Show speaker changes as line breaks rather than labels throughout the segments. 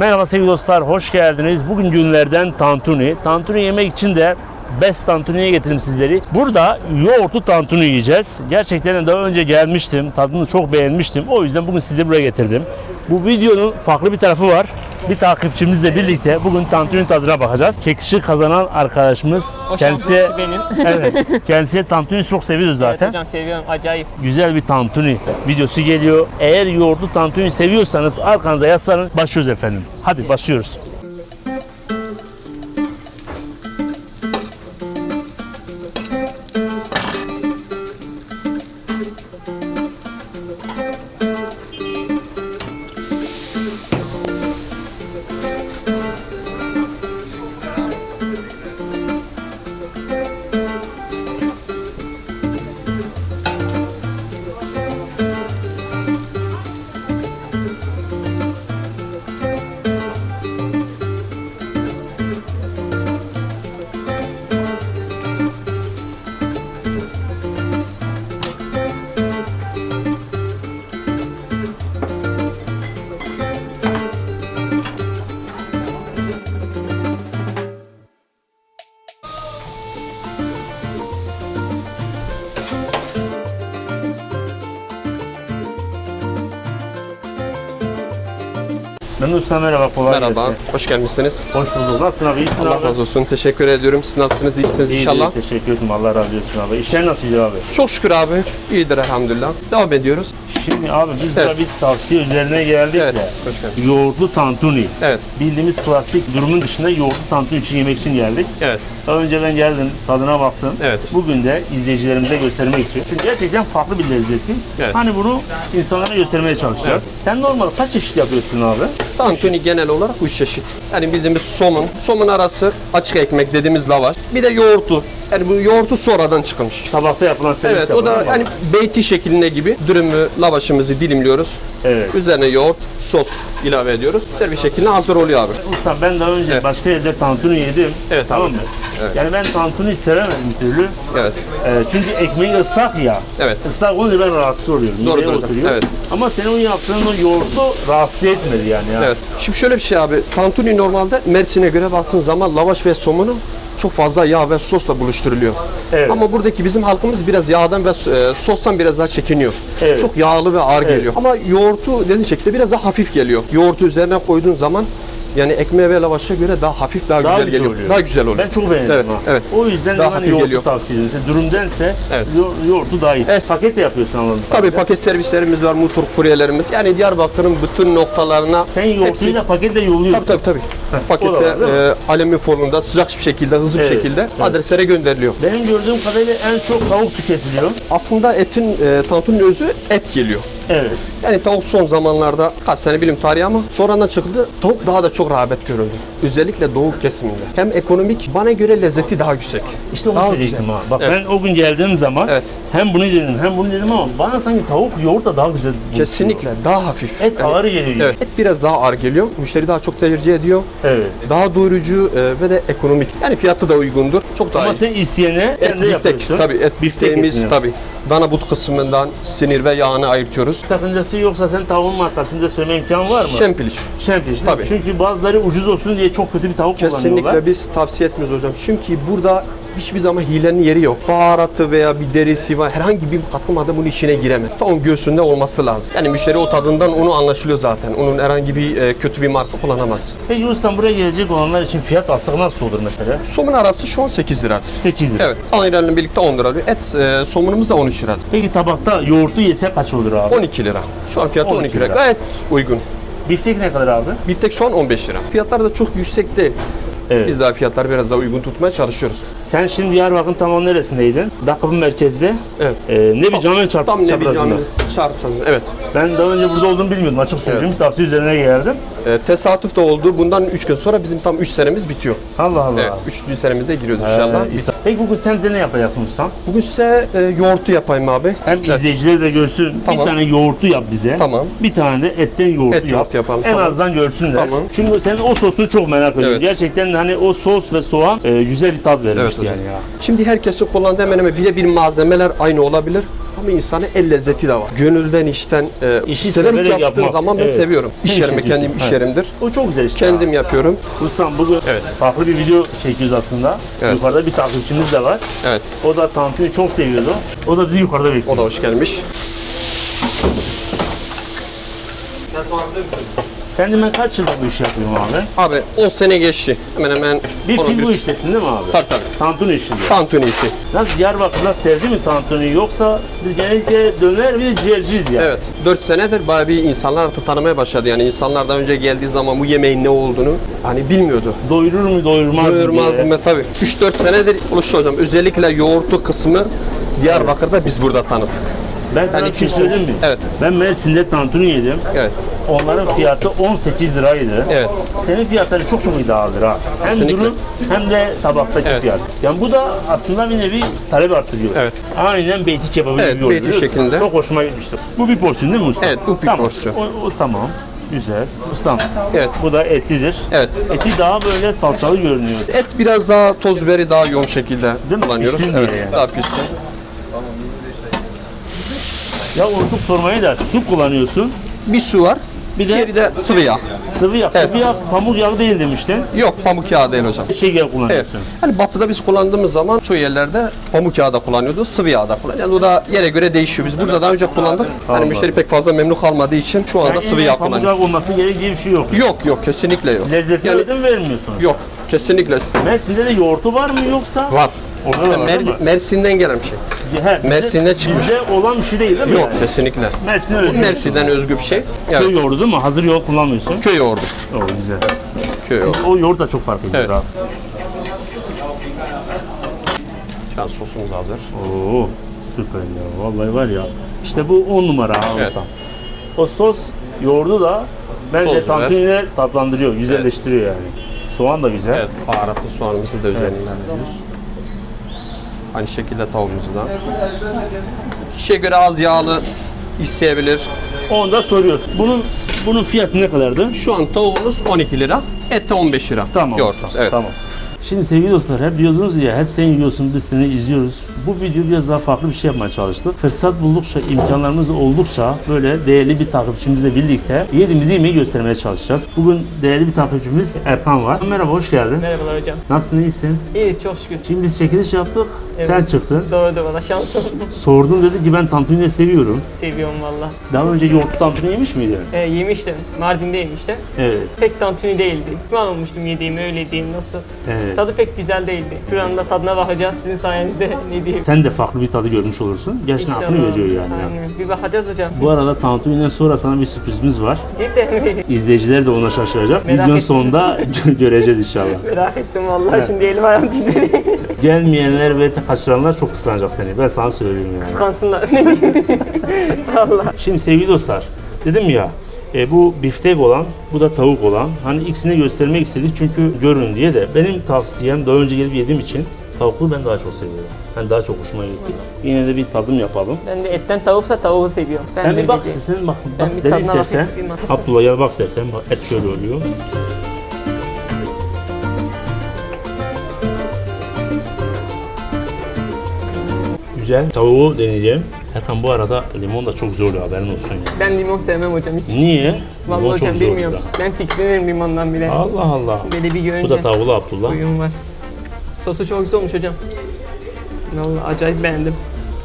Merhaba sevgili dostlar, hoş geldiniz. Bugün günlerden tantuni. Tantuni yemek için de Best Tantuni'ye getirdim sizleri. Burada yoğurtlu tantuni yiyeceğiz. Gerçekten daha önce gelmiştim. Tadını çok beğenmiştim. O yüzden bugün size buraya getirdim. Bu videonun farklı bir tarafı var. Bir takipçimizle birlikte bugün tantuni tadına bakacağız. Çekişi kazanan arkadaşımız. Kendisi
benim.
evet, kendisi tantuni çok seviyor zaten.
Evet hocam, seviyorum, acayip.
Güzel bir tantuni videosu geliyor. Eğer yoğurtlu tantuni seviyorsanız arkanıza yaslanın. Başlıyoruz efendim. Hadi başlıyoruz. Mehmet Usta merhaba, kolay gelsin.
Merhaba, hoş gelmişsiniz.
Hoş bulduk. Nasılsın abi? İyisin
Allah
abi?
razı olsun. Teşekkür ediyorum. Siz nasılsınız? İyisiniz
İyidir,
inşallah.
teşekkür ederim. Allah razı olsun abi. İşler nasıl gidiyor abi?
Çok şükür abi. İyidir elhamdülillah. Devam ediyoruz.
Şimdi abi biz
Evet.
burada bir tavsiye üzerine geldik
Evet,
de.
hoş geldin.
Yoğurtlu tantuni.
Evet,
Bildiğimiz klasik durumun dışında yoğurtlu tantuni için yemek için geldik.
evet,
Daha önce ben geldim, tadına baktım.
Evet.
Bugün de izleyicilerimize göstermek için. Çünkü gerçekten farklı bir lezzeti.
Evet.
Hani bunu insanlara göstermeye çalışacağız. Sen normal kaç çeşit yapıyorsun abi?
Tantuni genel olarak 3 çeşit. Yani bildiğimiz somun arası açık ekmek dediğimiz lavaş. Bir de yoğurtu. Yani bu yoğurtu sonradan çıkmış.
Tabakta yapılan servis
Evet, o
yapılan
da
ama.
yani beyti şeklinde gibi dürümü, lavaşımızı dilimliyoruz.
Evet.
Üzerine yoğurt, sos ilave ediyoruz. Servis şeklinde hazır oluyor abi.
Usta ben daha önce
Evet.
başka yerde tantuni yedim.
Evet
Tamam
abi.
mı?
Evet.
Yani ben tantuni sevemedim bir türlü.
Evet,
Çünkü ekmeği ıslak ya.
evet.
Islak olunca ben rahatsız oluyorum.
Doğrudur
Mideye
hocam,
oturuyor.
evet.
Ama senin o yaptığın o yoğurtu rahatsız etmedi yani. Ya.
Evet. Şimdi şöyle bir şey abi. Tantuni normalde Mersin'e göre baktığın zaman lavaş ve somunu çok fazla yağ ve sosla buluşturuluyor.
Evet.
Ama buradaki bizim halkımız biraz yağdan ve sostan biraz daha çekiniyor.
Evet.
Çok yağlı ve ağır geliyor. Ama yoğurtu dediğin şekilde biraz daha hafif geliyor. Yoğurtu üzerine koyduğun zaman yani ekmeğe ve lavaşa göre daha hafif, daha güzel geliyor.
oluyor.
Daha güzel oluyor.
Ben çok beğendim
Evet,
ha.
evet.
O yüzden
Daha
de hani
hafif
yoğurtu
geliyor.
tavsiye ediyorum. İşte dürümdense
Evet.
yoğurtu daha iyi.
Evet.
Paket de yapıyorsun anladım.
Tabii paket servislerimiz var, motor kuryelerimiz. Yani Diyarbakır'ın bütün noktalarına
Sen yoğurtuyla paketle yolluyorsun.
Tabii.
O da
Pakette
var, değil mi?
alüminyum folyoda sıcak bir şekilde, hızlı bir
Evet,
şekilde
evet.
adreslere gönderiliyor.
Benim gördüğüm kadarıyla en çok tavuk tüketiliyor.
Aslında etin, tantuninin özü et geliyor.
Evet.
Yani tavuk son zamanlarda kaç sene bilim tarihi ama sonradan çıktı. Tavuk daha da çok rağbet görüldü. Özellikle doğu kesiminde. Hem ekonomik, bana göre lezzeti daha yüksek.
İşte onu
Daha
söyleyecektim
güzel.
ha. Bak
Evet.
ben o gün geldiğim zaman
Evet.
hem bunu dedim hem bunu dedim ama bana sanki tavuk yoğurt da daha güzel.
Kesinlikle daha hafif.
Et ağır geliyor.
Evet, et biraz daha ağır geliyor. Müşteri daha çok tercih ediyor.
Evet.
Daha doyurucu ve de ekonomik. Yani fiyatı da uygundur. Çok daha
Ama
iyi.
sen isteyene
Et,
kendi
biftek.
yapıyorsun.
Tabii et bifteğimiz
getiriyorsun.
tabii. Dana but kısmından sinir ve yağını ayırtıyoruz.
Sakıncası yoksa sen tavuğun markasını da söyleme imkanı var mı?
Şempiliç.
Şempiliç.
Tabii.
Çünkü bazıları ucuz olsun diye çok kötü bir tavuk kullanıyorlar.
Kesinlikle biz tavsiye etmiyoruz hocam. Çünkü burada hiçbir zaman hilenin yeri yok. Baharatı veya bir derisi var. Herhangi bir katkı madde bunun içine giremez. Tavuğun göğsünde olması lazım. Yani müşteri o tadından onu anlaşılıyor zaten. Onun herhangi bir kötü bir marka kullanamaz.
Peki ustam buraya gelecek olanlar için fiyat alsak nasıl olur mesela?
Somun arası şu an 8 liradır.
8 lira.
Evet. Ayranla birlikte 10 lira. Et somunumuz da 13 liradır.
Peki tabakta yoğurtlu yese kaç olur abi?
12 lira. Şu an fiyatı
12
12 lira.
lira.
Gayet uygun.
Biftek ne kadar abi?
Biftek şu an 15 lira. Fiyatlar da çok yüksek değil.
Evet.
Biz daha fiyatları biraz daha uygun tutmaya çalışıyoruz.
Sen şimdi Diyarbakır'ın tam neresindeydin? Dakika'nın merkezde.
Evet.
Nebi Camii'nin
Tam
çarpısı
Nebi
çaprazında.
Camii'nin çarpısında. Evet.
Ben daha önce burada olduğumu bilmiyordum açık söyleyeyim. Tavsiye üzerine geldim.
Tesadüf de oldu. Bundan 3 gün sonra bizim tam 3 senemiz bitiyor.
Allah Allah.
Evet. 3. senemize giriyoruz inşallah.
Peki bugün sen bize ne yapacaksın ustam?
Bugün size yoğurtu yapayım abi.
Hem
Evet.
izleyiciler de görsün.
Tamam.
Bir tane yoğurtlu yap bize.
Tamam.
Bir tane de etten yoğurtlu
Et
yap.
yoğurtu yapalım,
En
tamam.
azından görsünler.
Tamam.
Çünkü senin o sosunu çok merak ediyorum.
Evet.
Gerçekten hani o sos ve soğan güzel bir tat vermişti
hocam.
yani ya.
Şimdi herkesin kullandığı hemen hemen birebir malzemeler aynı olabilir. Ama insanın el lezzeti de var. Gönülden işten
İşi
severek
severek
yaptığım
yapmak.
zaman ben
Evet.
seviyorum.
Sen
İş yerime
işletiyorsun.
kendim iş
Evet.
yerimdir.
O çok güzel işte.
Kendim yapıyorum.
Ustam bugün farklı bir video çekiyoruz aslında.
Evet.
Yukarıda bir takipçimiz de var.
Evet.
O da tantuni çok seviyordu. O da bizi yukarıda
O
bekliyor.
da hoş gelmiş.
Sen de ben kaç yıldır bu işi yapıyorum abi?
Abi 10 sene geçti. Hemen hemen
Bir
11.
fil bu iştesin değil mi abi?
Tabii tabii.
Tantuni işi diyor.
Tantuni işi.
Nasıl Diyarbakır'da sevdi mi tantuniyi yoksa biz genellikle döner bir de ciğerciyiz ya.
Evet. 4 senedir bayağı bir insanlar artık tanımaya başladı. Yani insanlar daha önce geldiği zaman bu yemeğin ne olduğunu hani bilmiyordu.
Doyurur mu doyurmaz mı
Doyurmaz
diye.
mı? Tabii. 3-4 senedir oluştu hocam. Özellikle yoğurtlu kısmı Diyarbakır'da biz burada tanıttık.
Ben sana
Yani
bir şey
kimse-
söyleyeyim mi?
Evet.
Ben Mersin'de tantuni yedim.
Evet.
Onların fiyatı 18 liraydı.
Evet.
Senin fiyatları çok çok iddialıdır ha. Hem
Kesinlikle.
dürüm hem de tabaktaki
Evet.
fiyat. Yani bu da aslında bir nevi talep arttırıyor.
Evet.
Aynen beyti kebabı
Evet,
gibi oluyor.
beyti
biliyorsun.
şeklinde.
Çok hoşuma gitmiştir. Bu bir porsiyon değil mi usta?
Evet, bu bir
tamam.
porsiyon.
O tamam. Güzel. Ustam.
Evet.
Bu da etlidir.
Evet.
Eti daha böyle salçalı görünüyor.
Et biraz daha toz biberi daha yoğun şekilde
Değil mi?
kullanıyoruz.
Pişsin diye
Evet.
yani.
Daha pişsin.
Ya unuttuk sormayı da su kullanıyorsun.
Bir su var.
Bir de
Diğeri de sıvı yağ.
sıvı yağ.
Evet.
Sıvı yağ pamuk yağı değil demiştin.
Yok, pamuk yağı değil hocam.
Şeker
Evet.
kullanıyorsun.
Hani batıda biz kullandığımız zaman çoğu yerlerde pamuk yağı da kullanıyordu, sıvı yağ da kullanıyordu. Yani o da yere göre değişiyor. Biz burada daha önce kullandık. Hani müşteri pek fazla memnun kalmadığı için şu anda sıvı yağ
Pamuk
kullanıyor.
yağı olması gerektiği bir şey yok.
Yok, kesinlikle yok.
Lezzetli
Yani-
ödün vermiyorsunuz.
Yok, kesinlikle
Mersin'de de yoğurtu var mı yoksa?
var.
Orada da var değil mi?
Mersin'den gelen bir şey.
He,
Mersin'de çıkmış.
Bizde olan bir şey değil değil mi?
Yok,
yani?
kesinlikle.
Mersin'e özgü.
Mersin'den özgü bir şey.
Köy
Evet.
yoğurdu değil mi? Hazır yoğurt kullanmıyorsun.
Köy yoğurdu.
O güzel.
Köy yoğurdu.
O yoğurt da çok fark ediyor.
Evet.
Abi.
Şu an sosumuz hazır.
Oo, süper ya. Vallahi var ya. İşte bu 10 numara ha
Evet.
olsam. O sos yoğurdu da bence
Toz biber.
tantuniyle tatlandırıyor, güzelleştiriyor yani. Soğan da güzel.
Evet, baharatlı soğanımızı da üzerinden veriyoruz. Aynı şekilde tavuğumuzu da. Kişiye göre az yağlı isteyebilir.
Onu da soruyorsun. Bunun fiyatı ne kadardı?
Şu an tavuğumuz 12 lira, et de 15 lira.
Tamam.
Yoğurtsuz,
usta,
evet.
Tamam. Şimdi sevgili dostlar hep diyordunuz ya hep sen yiyorsun biz seni izliyoruz. Bu video biraz daha farklı bir şey yapmaya çalıştık. Fırsat buldukça, imkanlarımız oldukça böyle değerli bir takipçimizle birlikte yediğimizi yemeği göstermeye çalışacağız. Bugün değerli bir takipçimiz Erkan var. Merhaba, hoş geldin.
Merhabalar hocam.
Nasılsın, iyisin?
İyi, çok şükür.
Şimdi biz çekiliş yaptık, sen çıktın.
Doğru bana şansım.
Sordun dedi ki ben tantuniyi seviyorum.
Seviyorum valla.
Daha önce yoğurtlu tantuni yemiş miydin?
Yemiştim. Mardin'de yemiştim.
Evet.
Pek tantuni değildi. Pişman olmuştum yediğim, öyle diyeyim, nasıl.
Evet.
Tadı pek güzel değildi. Şu anda tadına bakacağız sizin sayenizde, ne diyeyim.
Sen de farklı bir tadı görmüş olursun. Gerçekten aklını
İnşallah.
veriyor yani.
Aynen. Bir bakacağız hocam.
Bu arada tantuniden sonra sana bir sürprizimiz var.
Cidden mi?
İzleyiciler de ona şaşıracak.
Merak
Videonun
ettim.
sonunda göreceğiz inşallah.
Merak ettim vallahi, şimdi elim ayağım titredi.
Gelmeyenler ve kaçıranlar çok kıskanacak seni. Ben sana söyleyeyim yani.
Kıskansınlar, ne diyeyim. Allah.
Şimdi sevgili dostlar, dedim ya bu biftek olan, bu da tavuk olan. Hani ikisini göstermek istedik çünkü görün diye de. Benim tavsiyem daha önce gelip yediğim için tavuklu ben daha çok seviyorum. Ben daha çok hoşuma gitti. Yine de bir tadım yapalım.
Ben de etten tavuksa tavuğu seviyorum. Ben
Sen
de
bir bak
bildiğim.
istersen, bak
Ben bir
dene
tadına
istersen.
bakayım, nasıl?
Abdullah gel bak istersen, bak et şöyle oluyor. Güzel. Tavuğu deneyeceğim. Erkan bu arada limon da çok zorluyor, haberin olsun ya.
Ben limon sevmem hocam hiç.
Niye?
Vallahi
Limon
hocam
çok zor
bilmiyorum.
burada.
Ben tiksinirim limondan bile.
Allah Allah.
Böyle bir görünce.
Bu da tavuğlu Abdullah.
Uyum var. Sosu çok güzel olmuş hocam. Vallahi acayip beğendim.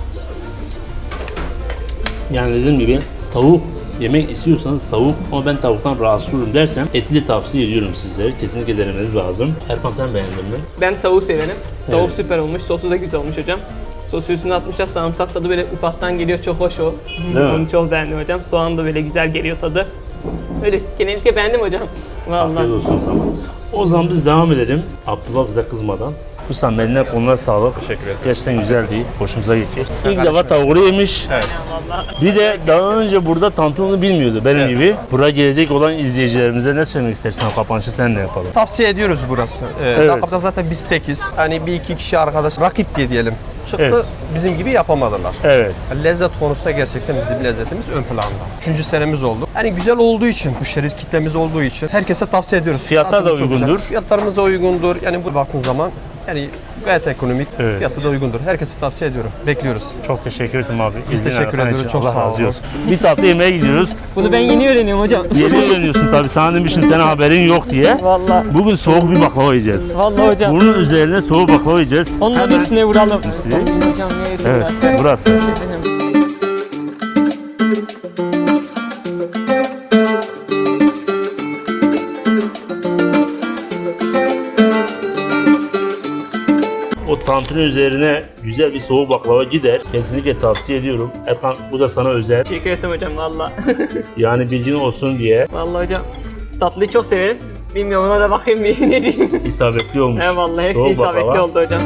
Yani dediğim gibi tavuk yemek istiyorsanız tavuk ama ben tavuktan rahatsız olurum dersen eti de tavsiye ediyorum sizlere. Kesinlikle denemeniz lazım. Erkan sen beğendin mi?
Ben tavuğu severim. Tavuk
Evet.
süper olmuş. Sosu da güzel olmuş hocam. Sosu üstüne atmışlar, sarımsak tadı böyle ufaktan geliyor, çok hoş o.
Değil mi?
Onu çok beğendim hocam. Soğan da böyle güzel geliyor tadı. Öyle genellikle beğendim hocam.
Afiyet
Vallahi.
olsun o zaman. O zaman biz devam edelim. Abdullah bize kızmadan. Hüsam eline konular sağlık.
Teşekkür ederim.
Gerçekten güzeldi. Hoşumuza gitti. İlk defa tavuğu yemiş.
Evet.
Bir de daha önce burada tantunini bilmiyordu benim gibi. Buraya gelecek olan izleyicilerimize ne söylemek istersen kapanışı senle yapalım.
Tavsiye ediyoruz burası.
Evet.
Lakapta zaten biz tekiz. Hani bir iki kişi arkadaş, rakip diye diyelim. Çıktı,
Evet.
bizim gibi yapamadılar.
Evet.
Lezzet konusunda gerçekten bizim lezzetimiz ön planda. 3. senemiz oldu. Yani güzel olduğu için, müşteri kitlemiz olduğu için herkese tavsiye ediyoruz.
Fiyatlar da
Tadımız çok güzel.
uygundur.
Fiyatlarımız da uygundur. Yani bu baktığın zaman Yani gayet ekonomik,
Evet.
fiyatı da uygundur. Herkese tavsiye ediyorum. Bekliyoruz.
Çok teşekkür ederim abi.
Biz
İzin
teşekkür
verdiğin
ediyoruz.
için.
Çok
Allah
sağ
razı
olun.
olsun. Bir tatlı yemeğe gidiyoruz.
Bunu ben yeni öğreniyorum hocam.
Yeni öğreniyorsun tabii. Sana demiştim senin haberin yok diye.
Vallahi.
Bugün soğuk bir baklava yiyeceğiz.
Vallahi hocam.
Bunun üzerine soğuk baklava yiyeceğiz.
Onların üstüne vuralım.
Hepsi.
Hocam neresi
Evet,
burası?
burası.
Benim.
O tantuni üzerine güzel bir soğuk baklava gider. Kesinlikle tavsiye ediyorum. Erkan bu da sana özel.
Teşekkür ederim hocam valla.
Yani bilgin olsun diye
Vallahi hocam. Tatlıyı çok severim. Bilmiyorum ona da bakayım bir ne diyeyim.
isabetli olmuş.
He vallahi hepsi
Soğuk
isabetli
baklava.
oldu hocam.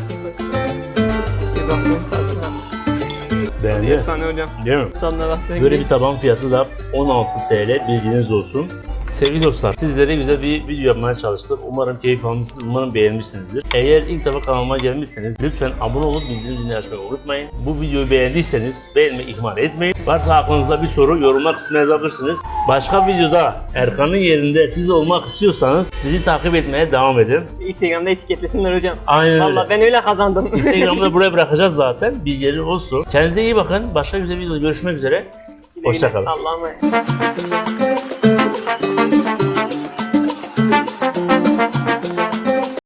Bir bakayım tadına.
Beğendi.
Efsane hocam.
Değil mi?
Tadına baktığın
Böyle
gibi.
bir taban fiyatı da 16 TL, bilginiz olsun. Sevgili dostlar, sizlere güzel bir video yapmaya çalıştık. Umarım keyif almışsınız, umarım beğenmişsinizdir. Eğer ilk defa kanalıma gelmişseniz lütfen abone olup bildirim zilini açmayı unutmayın. Bu videoyu beğendiyseniz beğenmeyi ihmal etmeyin. Varsa aklınızda bir soru yorumlar kısmına yazabilirsiniz. Başka videoda Erkan'ın yerinde siz olmak istiyorsanız bizi takip etmeye devam edin.
Instagram'da etiketlesinler hocam.
Aynen öyle.
Valla ben öyle kazandım.
Instagram'da buraya bırakacağız zaten. Bilgileri olsun. Kendinize iyi bakın. Başka güzel videoda görüşmek üzere. Hoşça kalın.
Allah'a emanet.